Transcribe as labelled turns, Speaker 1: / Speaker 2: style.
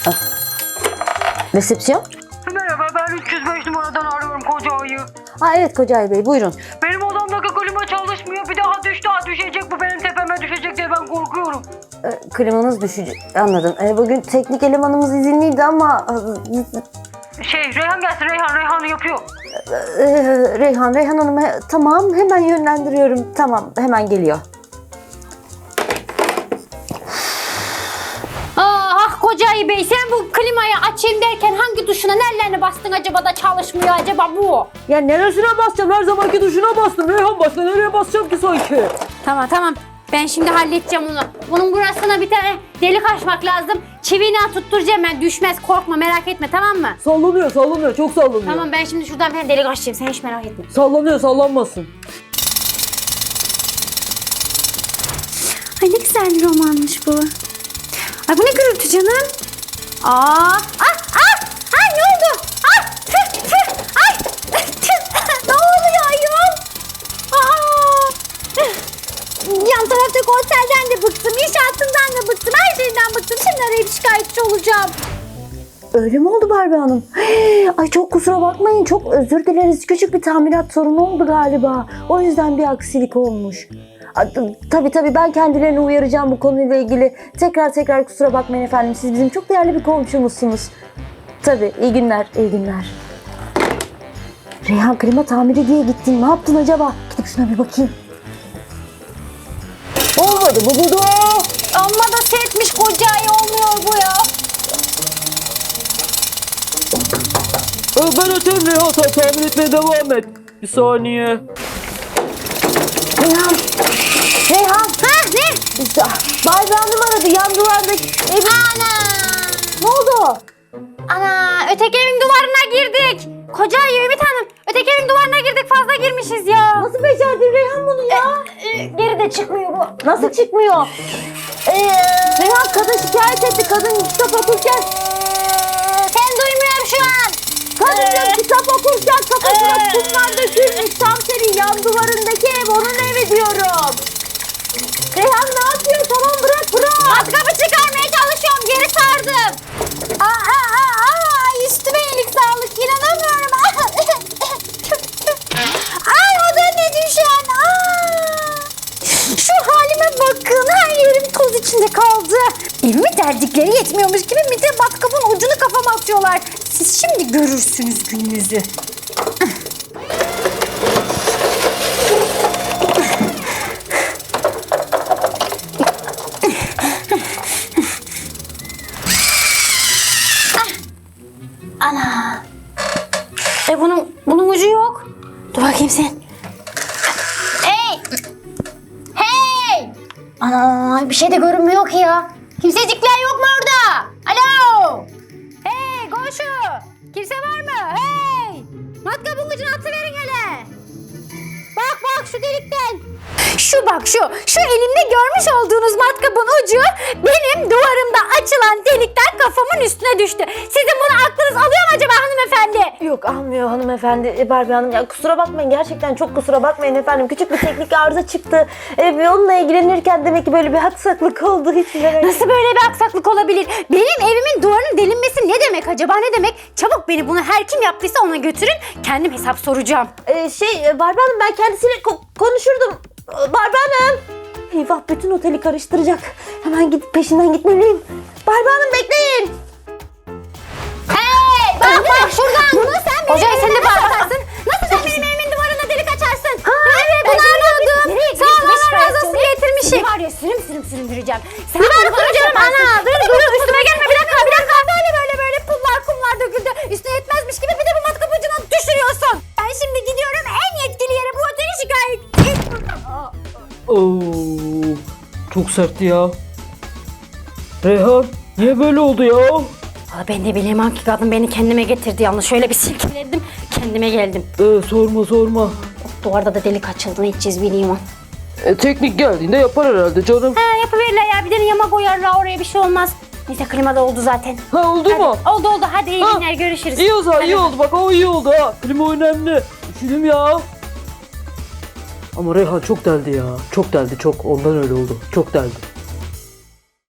Speaker 1: Resepsiyon?
Speaker 2: Merhaba, ben 305 numaradan arıyorum koca ayı.
Speaker 1: Evet Kocay Bey, buyurun.
Speaker 2: Benim odamdaki klima çalışmıyor. Bir daha düşecek. Bu benim tepeme düşecek diye ben korkuyorum.
Speaker 1: Klimanız düşecek. Anladım. Bugün teknik elemanımız izinliydi ama...
Speaker 2: Reyhan gelsin. Reyhan yapıyor.
Speaker 1: Reyhan Hanım, tamam, hemen yönlendiriyorum. Tamam, hemen geliyor.
Speaker 3: Kocayı Bey, sen bu klimayı açayım derken hangi tuşuna nerelerine bastın acaba da çalışmıyor acaba bu?
Speaker 1: Ya neresine basacağım? Her zamanki tuşuna bastım. Reyhan, başka nereye basacağım ki sanki?
Speaker 3: Tamam. Ben şimdi halledeceğim onu. Bunun burasına bir tane delik açmak lazım. Çiviyle tutturacağım ben. Düşmez, korkma, merak etme, tamam mı?
Speaker 1: Sallanıyor. Çok sallanıyor.
Speaker 3: Tamam, ben şimdi şuradan bir tane delik açacağım. Sen hiç merak etme.
Speaker 1: Sallanmasın.
Speaker 3: Ay ne güzel bir romanmış bu. Ay bu ne gürültü canım? Ay ne oldu? Ay ne oluyor ayol? Yan taraftaki otelden de bıktım, inşaatından da bıktım, her şeyden bıktım. Şimdi arayıp şikayetçi olacağım.
Speaker 1: Öyle mi oldu Barbie Hanım? Ay çok kusura bakmayın. Çok özür dileriz. Küçük bir tamirat sorunu oldu galiba. O yüzden bir aksilik olmuş. Tabii ben kendilerini uyaracağım bu konuyla ilgili. Tekrar kusura bakmayın efendim. Siz bizim çok değerli bir komşumuzsunuz. Tabii, iyi günler. Reyhan, klima tamiri diye gittin. Ne yaptın acaba? Gidip şuna bir bakayım. Olmadı bu budu.
Speaker 3: Amma da sertmiş kocayı, olmuyor bu ya.
Speaker 4: Ben öteyim Reyhan, sen tamir etmeye devam et. Bir saniye.
Speaker 1: Reyhan.
Speaker 3: Ne?
Speaker 1: Barbie Hanım aradı. Yan duvardaki evin...
Speaker 3: Ana!
Speaker 1: Ne oldu?
Speaker 3: Ana! Öteki evin duvarına girdik. Kocayı Ümit Hanım, öteki evin duvarına girdik, fazla girmişiz ya.
Speaker 1: Nasıl becerdin Reyhan bunu ya?
Speaker 3: Geri de çıkmıyor bu.
Speaker 1: Nasıl çıkmıyor? Reyhan, kadın şikayet etti. Kadın kitap okurken...
Speaker 3: Sen duymuyorum şu an.
Speaker 1: Kadın kitap okurken kafasına kumlar dökülmüş. Tam senin yan duvarındaki ev, onun evi diyorum. Reyhan ne yapıyor? Tamam, bırak.
Speaker 3: Matkapı çıkarmaya çalışıyorum, geri sardım. Üstüme iyilik sağlık, inanamıyorum. Ay o da ne düşen. Şu halime bakın, her yerim toz içinde kaldı. Evimi derdikleri yetmiyormuş gibi bir de matkapın ucunu kafama atıyorlar. Siz şimdi görürsünüz gününüzü. Ana. Bunun ucu yok. Dur bakayım sen. Hey! Ana, bir şey de görünmüyor ki ya. Kimsecikler yok mu orada? Alo! Hey komşu! Kimse var mı? Hey! Matkabın ucunu atıverin hele. Bak şu delikten. Şu elimde görmüş olduğunuz matkabın ucu benim duvarımda açılan delikten kafamın üstüne düştü. Sizin bunu aklınız alıyor mu acaba hanımefendi?
Speaker 1: Yok, almıyor hanımefendi. Barbie Hanım, ya kusura bakmayın, gerçekten çok kusura bakmayın efendim. Küçük bir teknik arıza çıktı. Onunla ilgilenirken demek ki böyle bir haksaklık oldu. Hiç merak etmeyin.
Speaker 3: Nasıl böyle bir aksaklık olabilir? Benim evimin duvarının delinmesi ne demek acaba, ne demek? Çabuk beni bunu her kim yaptıysa ona götürün. Kendim hesap soracağım.
Speaker 1: Barbie Hanım, ben kendisiyle konuşurdum. Barbie Hanım. Eyvah, bütün oteli karıştıracak. Hemen gidip peşinden gitmeliyim. Barbie Hanım, bekleyin.
Speaker 3: Hey! Bak şuradan. Bunu sen benim evime nasıl açarsın? Nasıl sen benim evimin duvarına delik açarsın? Evet, bunu arıyordum. Sağ ol, Allah razı olsun, getirmişim. Var ya, sürüm süreceğim. Sen bir duracağım ana. Dur üstüme gelme, bir dakika. Böyle pullar kumlar döküldü. Üstüne yetmezmiş gibi bir de bu matkap ucuna düşürüyorsun. Ben şimdi gidiyorum en yetkili yere, bu oteli şikayet.
Speaker 4: Oo, çok sertti ya. Reyhan, niye böyle oldu ya?
Speaker 3: Valla ben de bileyim, hangi kadın beni kendime getirdi yalnız. Şöyle bir silkeledim, kendime geldim.
Speaker 4: Sorma.
Speaker 3: Duvarda da delik açıldı, ne edeceğiz bileyim o.
Speaker 4: Teknik geldiğinde yapar herhalde canım.
Speaker 3: Yapıverirler ya, bir de yama koyarlar oraya, bir şey olmaz. Neyse, klima da oldu zaten.
Speaker 4: Oldu mu?
Speaker 3: Oldu. Hadi iyi günler, görüşürüz.
Speaker 4: İyi o zaman,
Speaker 3: Hadi.
Speaker 4: iyi oldu. Bak o iyi oldu ha. Klima önemli. Üşüdüm ya. Ama Reyhan çok deldi ya. Çok deldi. Ondan öyle oldu. Çok deldi.